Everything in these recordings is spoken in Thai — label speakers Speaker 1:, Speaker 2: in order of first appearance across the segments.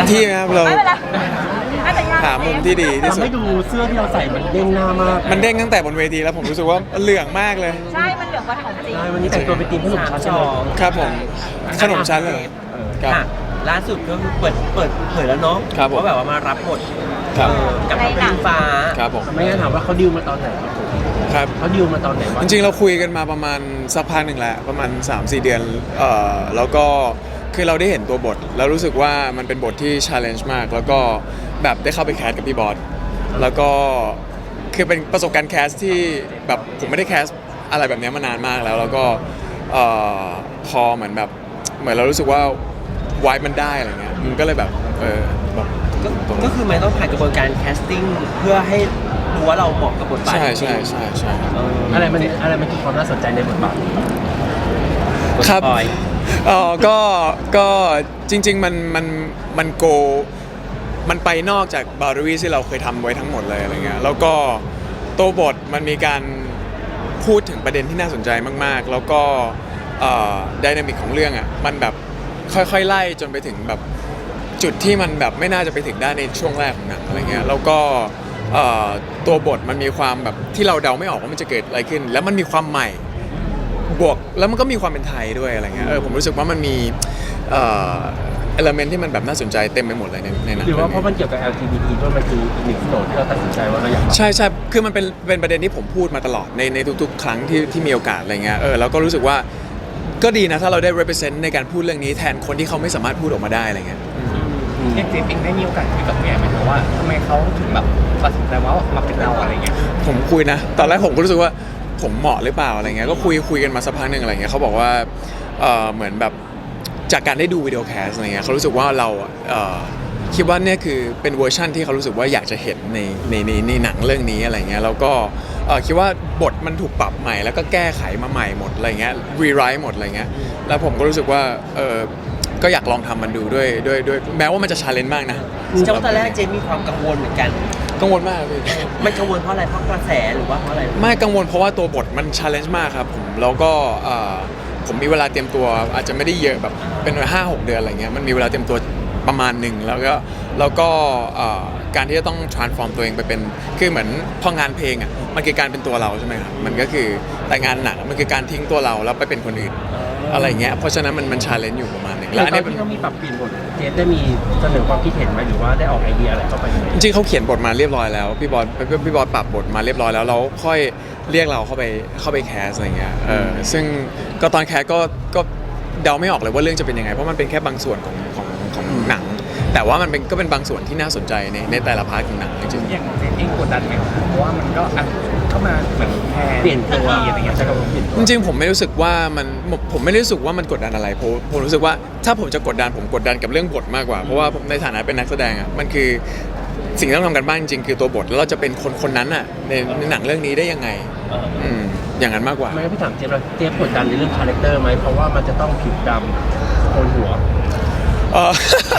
Speaker 1: ที่นะครับเรา
Speaker 2: ไม่เป็นไรไม่แต่ยาก
Speaker 1: หามุมที่ดีที่
Speaker 3: ทำ
Speaker 1: สุด
Speaker 3: ให้ดูเสื้อที่เราใส่มันเด้งหน้ามาก
Speaker 1: มันเด้งตั้งแต่บนเวทีแล้วผมรู้สึกว่าเหลืองมากเลย
Speaker 2: ใช่มันเหลืองกว่าของจริง
Speaker 3: ใช่วันนี้แต่งตัวเป็นทีมขนมชั้นใช่ไหม
Speaker 1: ครับผมขนมชั้นเลยครับ
Speaker 4: ค่ะล่าสุดก็คือเปิดเผยแล้วเนาะ
Speaker 1: ครับผม
Speaker 4: ว่าแบบว่ามารับบท
Speaker 1: ครับ
Speaker 4: กับพระปริงฟ้า
Speaker 1: ครับผม
Speaker 3: ไม่งั้นถามว่าเขาดิวมาตอนไหนครับผม
Speaker 1: ครับ
Speaker 3: เขาดิวมาตอนไหนวะ
Speaker 1: จริงๆเราคุยกันมาประมาณสักพักหนึ่งแล้วประมาณ 3-4 เดือนแล้วก็คือเราได้เห็นตัวบทแล้วรู้สึกว่ามันเป็นบทที่ challenge มาก แล้วก็แบบได้เข้าไปแคสกับพี่บอสแล้วก็คือเป็นประสบการณ์แคสที่แบบผมไม่ได้แคสอะไรแบบนี้มานานมากแล้วก็พอเหมือนแบบเหมือนเรารู้สึกว่าวายมันได้อะไรเงี้ยมันก็เลยแบบแบบ
Speaker 4: ก็คือมันต้องผ่านกระบวนการแคสติ้งเพื่อให้รู้ว่าเราเหมาะกับบทบาท
Speaker 1: ใช่
Speaker 4: จริง
Speaker 1: ใช่
Speaker 4: เออ
Speaker 3: อะไรมันคือความน่าสนใจในบทบาท
Speaker 1: ครับ
Speaker 4: ปอย
Speaker 1: ก็จริงๆมันโกมันไปนอกจากบาร์รี่ที่เราเคยทำไว้ทั้งหมดเลยอะไรเงี้ยแล้วก็ตัวบทมันมีการพูดถึงประเด็นที่น่าสนใจมากๆ แล้วก็ไดนามิกของเรื่องอ่ะมันแบบค่อยๆไล่จนไปถึงแบบจุดที่มันแบบไม่น่าจะไปถึงได้ในช่วงแรกของหนังอะไรเงี้ยแล้วก็ตัวบทมันมีความแบบที่เราเดาไม่ออกว่ามันจะเกิดอะไรขึ้น แล้วมันมีความใหม่บวกแล้วมันก็มีความเป็นไทยด้วยอะไรเงี้ยผมรู้สึกว่ามันมีเอลเมนที่มันแบบน่าสนใจเต็มไปหมดเลยในหนัง
Speaker 3: หรือว่าเพราะมันเกี่ยวกับ LGBT ด้วยมันคืออีกหนึ่งโจทย์ที่เราตัดสินใจว่าเราอยาก
Speaker 1: ใช่คือมันเป็นประเด็นที่ผมพูดมาตลอดในทุกๆ ครั้งที่มีโอกาสอะไรเงี้ยแล้วก็รู้สึกว่าก็ดีนะถ้าเราได้ represent ในการพูดเรื่องนี้แทนคนที่เขาไม่สามารถพูดออกมาได้อะไรเงี้ย
Speaker 5: เจปิงได้มีโอกาสคุยกับพี่แอมไหมคะว่าทำไมเขาถึงแบบตัดสินใจว่ามาเป็นเราอะไรเงี้ย
Speaker 1: ผมคุยนะตอนแรกผมก็รู้สึกว่าผมเหมาะหรือเปล่าอะไรเงี้ยก็คุยกันมาสักพักหนึ่งอะไรเงี้ยเขาบอกว่าเหมือนแบบจากการได้ดูวิดีโอแคสอะไรเงี้ยเขารู้สึกว่าเราคิดว่าเนี่ยคือเป็นเวอร์ชั่นที่เขารู้สึกว่าอยากจะเห็นในหนังเรื่องนี้อะไรเงี้ยแล้วก็คิดว่าบทมันถูกปรับใหม่แล้วก็แก้ไขมาใหม่หมดอะไรเงี้ยรีไรต์หมดอะไรเงี้ยแล้วผมก็รู้สึกว่าก็อยากลองทำมันดูด้วยแม้ว่ามันจะชาเลนจ์มากนะ
Speaker 4: เจ้าตอนแรกเจนมีความกังวลเหมือนกัน
Speaker 1: กังวลมากพี่
Speaker 4: มันกังวลเพราะอะไรเพราะกระแสหรือว่าเพราะอะไร
Speaker 1: ไม่กังวลเพราะว่าตัวบทมันชาเลนจ์มากครับผมแล้วก็ผมมีเวลาเตรียมตัวอาจจะไม่ได้เยอะแบบเป็น5-6 เดือนอะไรเงี้ยมันมีเวลาเตรียมตัวประมาณหนึ่งแล้วก็การที่จะต้อง transform ตัวเองไปเป็นคือเหมือนพองานเพลงอ่ะมันคือการเป็นตัวเราใช่ไหมครับมันก็คือแต่งานหนังมันคือการทิ้งตัวเราแล้วไปเป็นคนอื่นอะไรเงี้ยเพราะฉะนั้นมันชาเลนจ์อยู่ประมาณหนึง
Speaker 3: แล้ว
Speaker 1: อัน
Speaker 3: ตอ
Speaker 1: นี้
Speaker 3: นที่เขามีปรับเปลี่ยนบทเจฟได้มีเสนอความคิดเห็นไหมหรือว่าได้ออกไอเดียอะไรเข้าไปไหม
Speaker 1: จริงๆเขาเขียนบทมาเรียบร้อยแล้วพี่บอสปรับบทมาเรียบร้อยแล้วเราค่อยเรียกเราเข้าไปแคสอะไรเงี้ยซึ่งก็ตอนแคสก็เดาไม่ออกเลยว่าเรื่องจะเป็นยังไงเพราะมันเป็นแค่บางส่วนของหนัง แต่ว่ามันก็เป็นบางส่วนที่น่าสนใจในแต่ละพาร์ทของหนังจริง
Speaker 5: อย่างเจนเองกดดันไหมเพราะว่ามันก็เข้ามาเหมือนแทน
Speaker 3: เปลี่ยนตัว
Speaker 5: อะไรเงี้ยใช่ครับผม
Speaker 1: ๆจริงๆผมไม่รู้สึกว่าผมไม่ได้รู้สึกว่ามันกดดันอะไรผมรู้สึกว่าถ้าผมจะกดดันผมกดดันกับเรื่องบทมากกว่าเพราะว่าผมในฐานะเป็นนักแสดงอ่ะมันคือสิ่งที่ต้องทำกันบ้างจริงๆคือตัวบทแล้วเราจะเป็นคนนั้นอ่ะในหนังเรื่องนี้ได้ยังไงอย่างนั้นมากกว่า
Speaker 3: ไม่งั้นพี่ถามเจฟแล้วเจฟกดดันในเรื่องคาแรคเตอร์ไหมเพราะว่ามันจะต้องผิวดำโกนหัว
Speaker 1: เออ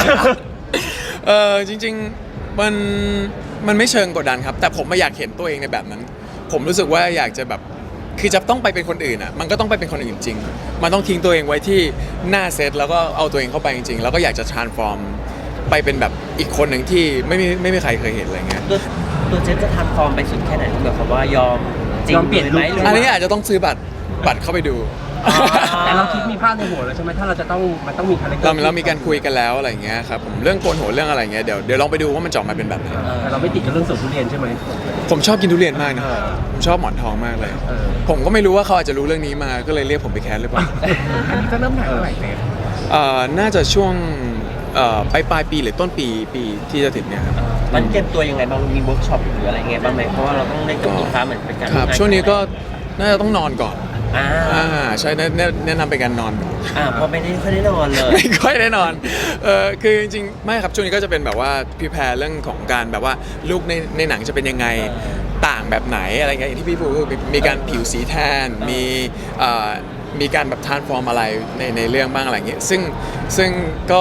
Speaker 1: จริงๆมันไม่เชิงกดดันครับ แต่ผมไม่อยากเห็นตัวเองในแบบนั้น ผมรู้สึกว่าอยากจะแบบคือจะต้องไปเป็นคนอื่นอ่ะมันก็ต้องไปเป็นคนอื่นจริง มันต้องทิ้งตัวเองไว้ที่หน้าเซตแล้วก็เอาตัวเองเข้าไปจริงๆแล้วก็อยากจะ transform ไปเป็นแบบอีกคนหนึ่งที่ไม่มีใครเคยเห็นอะไรเงี้ย
Speaker 4: ตัวเจนจะทำฟอร์มไปสุดแค่ไหนแบบว่ายอมจริง
Speaker 3: ยอมเปลี่ยน
Speaker 4: ไหม
Speaker 3: ลุค
Speaker 4: หรือ
Speaker 1: อัน
Speaker 4: ว่า
Speaker 1: นี้อาจจะต้องซื้อบัตรเข้าไปดู
Speaker 3: แต่เราคิดมีภาพในหัวแล้วใช่ไหมถ้าเราจะต้องมันต้องมีคาแรคเตอร์
Speaker 1: เรามีการคุยกันแล้วอะไรเงี้ยครับผมเรื่องโกนหัวเรื่องอะไรเงี้ยเดี๋ยวลองไปดูว่ามันจะออกมาเป็นแบบไหน
Speaker 3: แต่เราไม่ติดกับเรื่องสวนทุเรียนใช่ไหม
Speaker 1: ผมชอบกินทุเรียนมากนะผมชอบหมอนทองมากเลย ผมก็ไม่รู้ว่าเขาอาจจะรู้เรื่องนี้มาก็เลยเรียกผมไปแคสหรือเปล่า
Speaker 5: อันนี้จะเริ่มถ่ายเมื่อไหร่เจน
Speaker 1: น่าจะช่วงปลายปีหรือต้นปีที่จะถึงเนี่ยครับ
Speaker 4: มันเก็บตัวยังไงบ้างมีเวิร์กช็อปหรืออะไรไงบ้างไหมเพราะว่าเราต้องได้กับลูกค้าเหมือนเป็นการ
Speaker 1: ครับ
Speaker 4: ร่มงา
Speaker 1: ช่วงนี้ก็น่าจะต้องนอนก่อน
Speaker 4: อ่า
Speaker 1: ใช่แนะนำเป็นการนอนก่อน
Speaker 4: เพราะไม่ได้ค่อยได้นอนเลย
Speaker 1: ไม่ค่อยได้นอนคือจริงๆไม่ครับช่วงนี้ก็จะเป็นแบบว่าพิแพร์เรื่องของการแบบว่าลูกในหนังจะเป็นยังไงต่างแบบไหนอะไรเงี้ยอย่างที่พี่พูดคือมีการผิวสีแทนมีการแบบทรานส์ฟอร์มอะไรในเรื่องบ้างอะไรเงี้ยซึ่งก็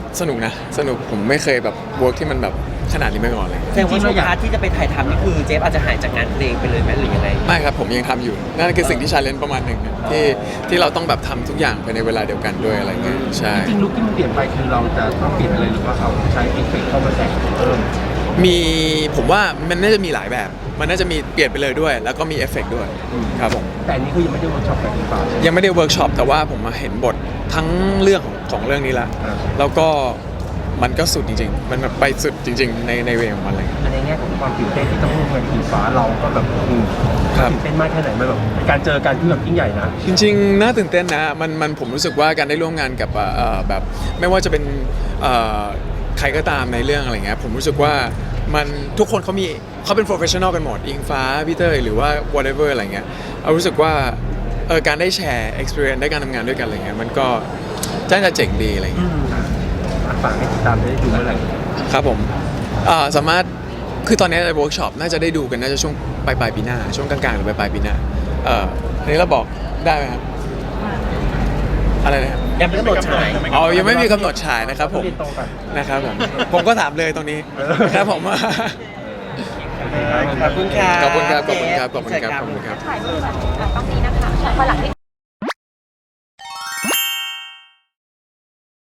Speaker 1: สนุกนะสนุกผมไม่เคยแบบเวิร์กที่มันแบบขนาดนี้มาก่อนเลย
Speaker 4: แสดงว่าช่วงพาร์ทที่จะไปถ่ายทำนี่คือเจฟอาจจะหายจากงานเพลงไปเลยไหมหรือยังไง
Speaker 1: ไม่ครับผมยังทำอยู่นั่นคือสิ่งที่ชาเลนจ์ประมาณหนึ่งที่เราต้องแบบทำทุกอย่างภายในเวลาเดียวกันด้วยอะไรเงี้ยใช่
Speaker 3: จริงๆลุคที่มันเปลี่ยนไปคือเราจะต้องเปลี่ยนอะไรหรือว่าเขาใช้เอฟเฟกต์เข้ามาแต่งเพิ่ม
Speaker 1: มีผมว่ามันน่าจะมีหลายแบบ มันน่าจะมีเปลี่ยนไปเลยด้วย แล้วก็มีเอฟเฟกต์ด้วยครับผม
Speaker 3: แต่อันนี้คือยังไม่ได้เวิร์กช็อปกับอีกฝ่าย
Speaker 1: ยังไม่ได้เวิร์กช็อปแต่ว่าผมมาเห็นบททั้งเรื่องของเรื่องนี้ละ
Speaker 3: อ่า
Speaker 1: แล้วก็มันก็สุดจริง ๆ มันแบบไปสุดจริง ๆ ในเวของมันเลย
Speaker 3: ในแง่ของความตื่นเต้นที่ต้องร่วมงานกับอีกฟ้าเราก็แบบ
Speaker 1: ครับ
Speaker 3: ตื่นเต้นมากแค่ไหนมันแบบเป็นการเจอกันที่แบบยิ่งใหญ่นะ
Speaker 1: จริงๆน่าตื่นเต้นนะมันผมรู้สึกว่าการได้ร่วมงานกับแบบไม่ว่าจะเป็นใครก็ตามในเรื่องอะไรเงี้ยผมรู้สึกว่ามันทุกคนเขาเป็น professional กันหมดอิงฟ้าพี่เต้ยหรือว่า whatever อะไรเงี้ยเอารู้สึกว่าการได้แชร์ experience ได้การทำงานด้วยกันอะไรเงี้ยมันก็น่าจะเจ๋งดีอะไรเงี้ย
Speaker 3: ฝากให้ติดตามได้ดูเมื่อไหร่
Speaker 1: ครับผมสามารถคือตอนนี้ในเวิร์กช็อปน่าจะได้ดูกันน่าจะช่วงปลายปีหน้าช่วงกลางๆหรือปลายปีหน้าอันนี้เราบอกได้ไหมครับอะไรนะครับ
Speaker 4: ยังไม่กำหนดฉาย
Speaker 1: อ๋อยังไม่มีกำหนดฉายนะครับผม
Speaker 3: เรียนตรงกัน
Speaker 1: นะครับผมผมก็ถามเลยตรงนี้ครับผม
Speaker 4: ขอบคุณครับ
Speaker 1: ขอบคุณครับขอบคุณครับขอบคุณครับขอบคุณครับ
Speaker 2: ถ่ายรูปแบบต้องนี้นะคะพอหลังที่